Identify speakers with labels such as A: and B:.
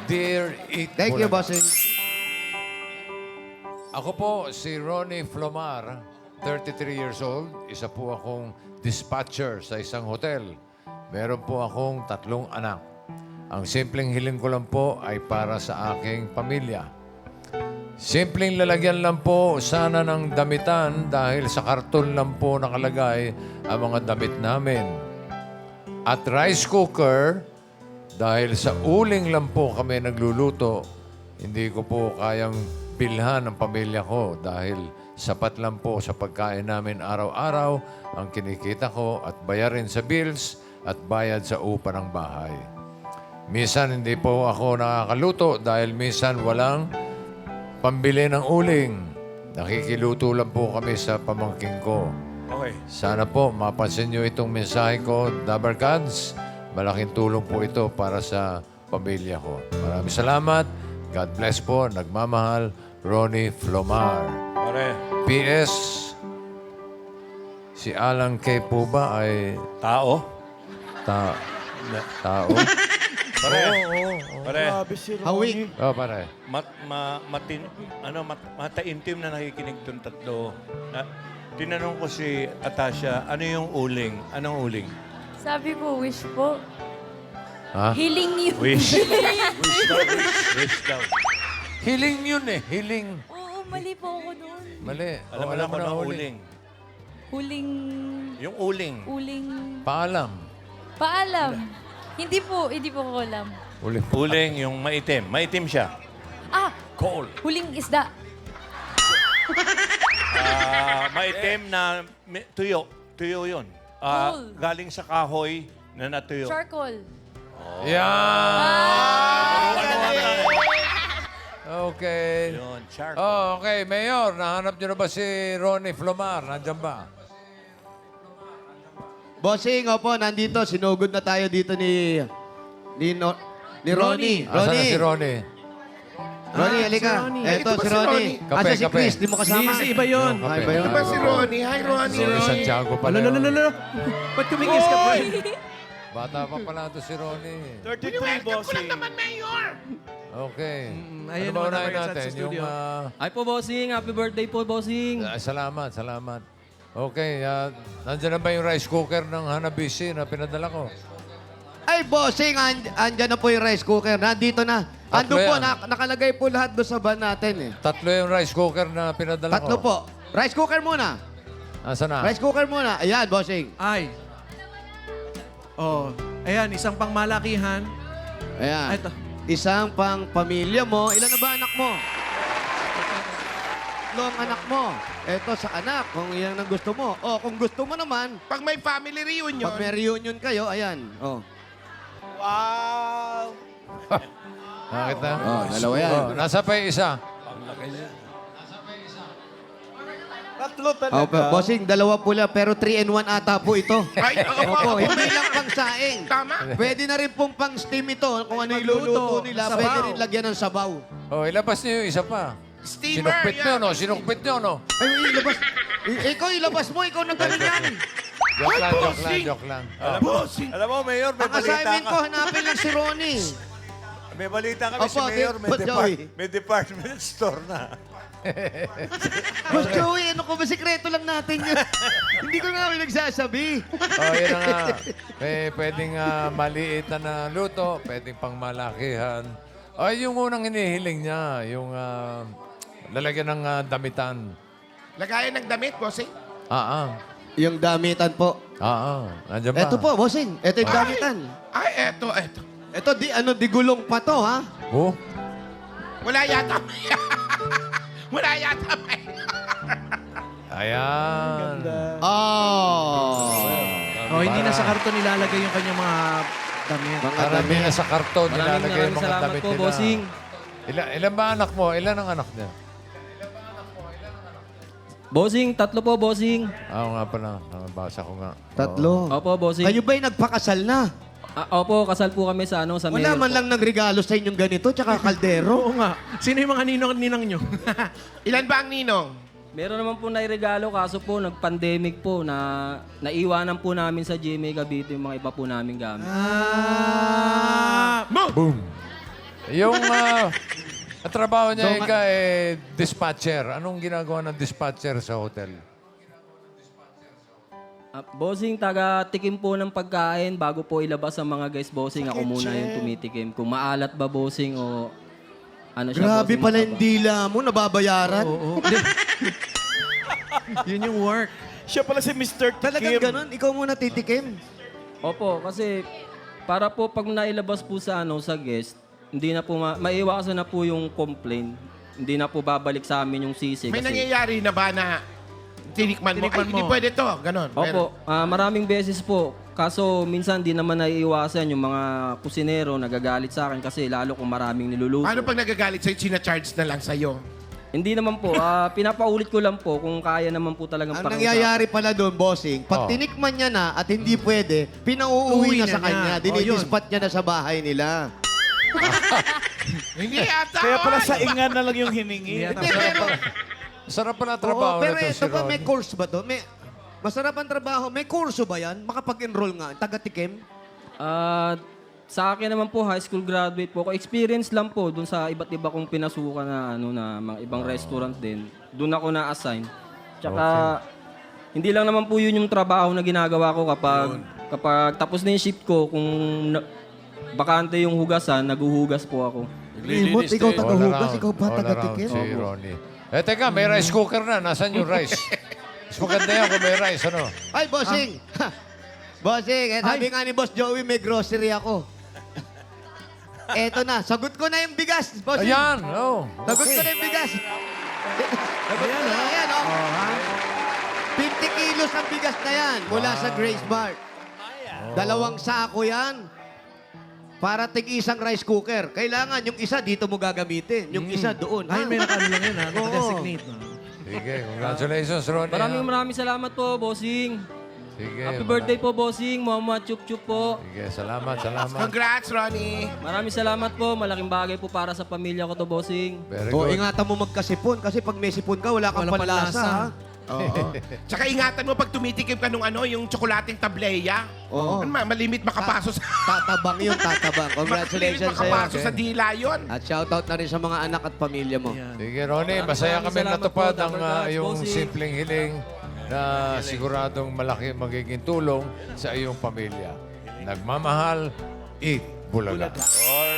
A: Dear Eat
B: Thank you,
A: Bulaga.
B: bossing.
A: Ako po si Ronnie Flomar, 33 years old. Isa po akong dispatcher sa isang hotel. Meron po akong 3 anak. Ang simpleng hiling ko lang po ay para sa aking pamilya. Simpleng lalagyan lang po sana ng damitan dahil sa karton lang po nakalagay ang mga damit namin. At rice cooker, dahil sa uling lang po kami nagluluto, hindi ko po kayang bilhan ang pamilya ko dahil sapat lang po sa pagkain namin araw-araw ang kinikita ko at bayarin sa bills at bayad sa upa ng bahay. Minsan hindi po ako nakakaluto dahil minsan walang pambili ng uling. Nakikiluto lang po kami sa pamangking ko.
C: Okay.
A: Sana po mapansin nyo itong mensahe ko, Dabarkads. Malaking tulong po ito para sa pamilya ko. Maraming salamat. God bless po. Nagmamahal, Ronnie Flomar.
C: Pare,
A: P.S. Si Alan K. po ba ay
C: tao?
A: tao?
C: Pare, pare,
B: Hawig.
A: Oh, pare.
C: mataintim na nakikinig itong tatlo. Tinanong ko si Atasha, ano yung uling? Anong uling?
D: Sabi ko, wish po.
A: Ha?
D: Healing you.
C: Wish. Wish daw, wish daw.
A: Hiling yun eh. Hiling.
D: Oo, mali po ako doon.
A: Mali.
C: Alam mo na kung ano uling.
D: Huling...
C: Yung uling.
D: Uling...
A: Paalam.
D: Paalam. Hindi po ko alam.
A: Uling.
C: Uling, yung maitim. Maitim siya.
D: Ah!
C: Coal.
D: Huling isda.
C: Maitim na tuyo. Tuyo yun.
D: Coal.
C: Galing sa kahoy na natuyo.
D: Charcoal.
A: Yan! Okay.
C: Yun, charcoal.
A: Oh, okay. Mayor, nahanap niyo na ba si Ronnie Flomar? Nandiyan ba?
B: Bossing, opo, nandito. Sinugod na tayo dito ni Ronnie.
A: Asan na si Ronnie?
B: Ronnie, halika. Eto, si Ronnie.
A: Kape,
B: Asa si
A: kape.
B: Chris, di mo kasama.
E: Hindi, iba yun.
A: Kape.
B: Ay, ba yun?
A: Ito ba si
F: Ronnie? Hi, Ronnie.
A: Si Santiago pala.
E: Lalo. Ba't kumingis ka pa?
A: Bata pa pala ito si Ronnie.
E: 33, bossing.
A: Okay.
E: ayun
A: Ano ba
E: naman
A: unahin
E: naman sa
A: natin? Yung,
E: studio.
G: Ay po, bossing. Happy birthday po, bossing.
A: salamat, salamat. Okay, nandiyan na ba yung rice cooker ng Hanabishi na pinadala ko?
B: Ay, bossing, andyan na po yung rice cooker. Nandito na.
A: Tatlo
B: Ando po,
A: yan.
B: nakalagay po lahat doon sa van natin eh.
A: 3 yung rice cooker na pinadala ko.
B: 3 po. Rice cooker muna.
A: Nasaan na?
B: Rice cooker muna. Ayan, bossing.
E: Ay. Oh, ayan, isang pangmalakihan.
B: Ayan.
E: Ito.
B: Isang pang pamilya mo. Ilan na ba anak mo? 3 ang anak mo. Ito sa anak, kung iyan ang gusto mo. O, kung gusto mo naman,
F: Pag may family reunion.
B: pag may reunion kayo, ayan. Oh.
F: Wow!
A: Nakita?
B: Oh, dalawa yan.
A: Oh, nasa pa yung isa.
F: Tatlo
B: Oh, bossing, 2 pula, pero 3-in-1 ata po ito.
F: Ay,
B: Opo, hindi lang pang saing.
F: Tama.
B: Pwede na rin pong pang steam ito. Kung ano yung luluto nila,
E: Sabaw.
B: pwede rin lagyan ng sabaw.
A: Oh, ilabas niyo yung isa pa.
F: Steamer,
A: Sinukpit
F: yan.
A: niyo, no? Sinukpit niyo, no?
B: Ay, ilabas. Ikaw, ilabas mo. Ikaw nang galing yan.
A: Joke lang, joke lang,
F: bossing!
A: joke lang.
C: Alam mo, Mayor, may
B: Ang
C: balita
B: assignment ko,
C: ka.
B: hanapin lang si Ronnie.
C: May balita kami si
B: Opo,
C: Mayor,
B: Boss Joey.
C: may department store na.
B: Boss Joey, ano ko ba? Sikreto lang natin yun. Hindi ko nga kami nagsasabi.
A: Oh, yun na nga. May pwedeng maliit na luto, pwedeng pang malakihan. Ay, yung unang hinihiling niya, yung lalagyan ng damitan.
F: Lagayan ng damit, bossing.
B: Yung damitan po.
A: Nandiyan ba?
B: Eto po, bossing. Eto yung damitan.
F: Ay, eto.
B: Eto, di gulong pa to, ha?
A: Oh,
F: Wala yata. Wala yata.
A: ayan.
B: Oh.
E: Oh, hindi na sa karton nilalagay yung kanyang mga damit.
B: Mga
A: Karami
B: damit.
A: na sa karton, nilalagay yung mga
G: salamat
A: damit
G: po,
A: nila.
G: bossing.
A: Ilan ba anak mo? Ilan ang anak niya?
G: Bossing, 3 po, bossing.
A: Oo nga pala, nabasa ko nga.
B: 3.
G: Opo, bossing.
B: Kayo ba'y nagpakasal na?
G: Opo, kasal po kami sa sa
B: Wala
G: mayor
B: man
G: po.
B: lang nagregalo sa inyong ganito, tsaka kaldero.
E: Oo nga. Sino yung mga ninong nyo?
F: Ilan ba ang ninong?
G: Meron naman po na regalo, kaso po, nag-pandemic po, na naiwanan po namin sa GMA Cavite yung mga iba po namin gamit.
E: Ah!
A: Boom! Yung ang trabaho niya Ika, dispatcher. Anong ginagawa ng dispatcher sa hotel?
G: Bossing, taga-tikim po ng pagkain bago po ilabas ang mga guys, bossing. Ako muna yung tumitikim. Kung maalat ba, bossing, o ano siya,
B: Grabe
G: bossing,
B: pala
G: mataba.
B: yung dila mo, nababayaran.
E: Oo. Yun yung work.
H: Siya pala si Mr. Tikim.
B: Talagang ganun, ikaw muna titikim.
G: Opo, kasi para po pag nailabas po sa sa guest, hindi na po maiwasan na po yung complaint. Hindi na po babalik sa amin yung sisi.
F: May
G: kasi,
F: nangyayari na ba na tinikman mo? Ay, hindi pwede to. Ganon.
G: Opo, maraming beses po. Kaso minsan di naman naiiwasan yung mga kusinero nagagalit sa akin kasi lalo kung maraming niluluto.
F: Paano pag nagagalit sa'yo, sinacharge na lang sa'yo?
G: Hindi naman po. Pinapaulit ko lang po kung kaya naman po talagang
B: Ang
G: pakiusapin.
B: nangyayari pala doon, bossing, pag
A: Oh.
B: tinikman niya na at hindi pwede, pinauuwi
E: Uwi
B: na
E: na
B: sa
E: niya.
B: kanya.
E: Oh,
B: Dinidispat niya na sa bahay nila.
F: Hindi yata.
H: Kaya pala
F: oy!
H: sa ingan na lang yung hiningi.
E: Yan ang
B: Hindi, pero,
A: Sarap pala
B: oo,
A: trabaho
B: pero
A: na to
B: ito
A: si
B: ba, may
A: Ronnie.
B: course ba to? Masarap ang trabaho. May kurso ba yan? Makapag-enroll nga. Taga-tikim?
G: Sa akin naman po, high school graduate po ako. Experience lang po dun sa iba't iba kong pinasukan na na mga ibang restaurant din. Doon ako na-assign. Tsaka hindi lang naman po yun yung trabaho na ginagawa ko kapag tapos na yung shift ko, kung bakante yung hugasan, naguhugas po ako.
B: Limot, ikaw
A: All
B: taga-hugas,
A: around.
B: ikaw pa
A: All
B: taga-tikim.
A: around si Ronnie. Teka, may rice cooker na. Nasaan yung rice? Mas maganda yan kung may rice, ano?
B: Ay, bossing! Bossing, sabi nga ni Boss Joey, may grocery ako. Eto na, sagot ko na yung bigas, bossing.
A: Ayan, oh.
B: Sagot ko na yung bigas. Sagot ko na, ayan, oh. 50 kilos ang bigas na yan mula sa Grace Mart. 2 sako yan. Para tig-isang rice cooker. Kailangan yung isa dito mo gagamitin. Yung isa doon.
E: Ay, may nakano lang yun, ha?
B: Oo.
E: Naka-designate. No?
A: Sige, congratulations, Ronnie.
G: Maraming salamat po, bossing.
A: Sige,
G: Happy birthday po, bossing. Mama Chup Chup po.
A: Sige, salamat.
F: Congrats, Ronnie.
G: Maraming salamat po. Malaking bagay po para sa pamilya ko to, bossing.
A: Very
B: O,
A: good.
B: ingatan mo magkasipon. Kasi pag may sipon ka, wala kang
E: Walang
B: panlasa.
E: panlasa.
B: Ha? Oo.
F: Tsaka ingatan mo pag tumitikim ka nung yung tsokolating tableya.
B: Oo.
F: Malimit makapaso sa...
B: Tatabang yun, tatabang. Congratulations
F: Malimit
B: sa'yo.
F: makapaso sa dila yun.
B: At shoutout na rin sa mga anak at pamilya mo.
E: Yan.
A: Sige, Ronnie, masaya
G: Maraming
A: kami
G: salamat
A: natupad
G: po,
A: ang
G: Dapper Gods,
A: iyong
G: bossing.
A: simpleng hiling na siguradong malaki magiging tulong sa iyong pamilya. Nagmamahal, eat Bulaga.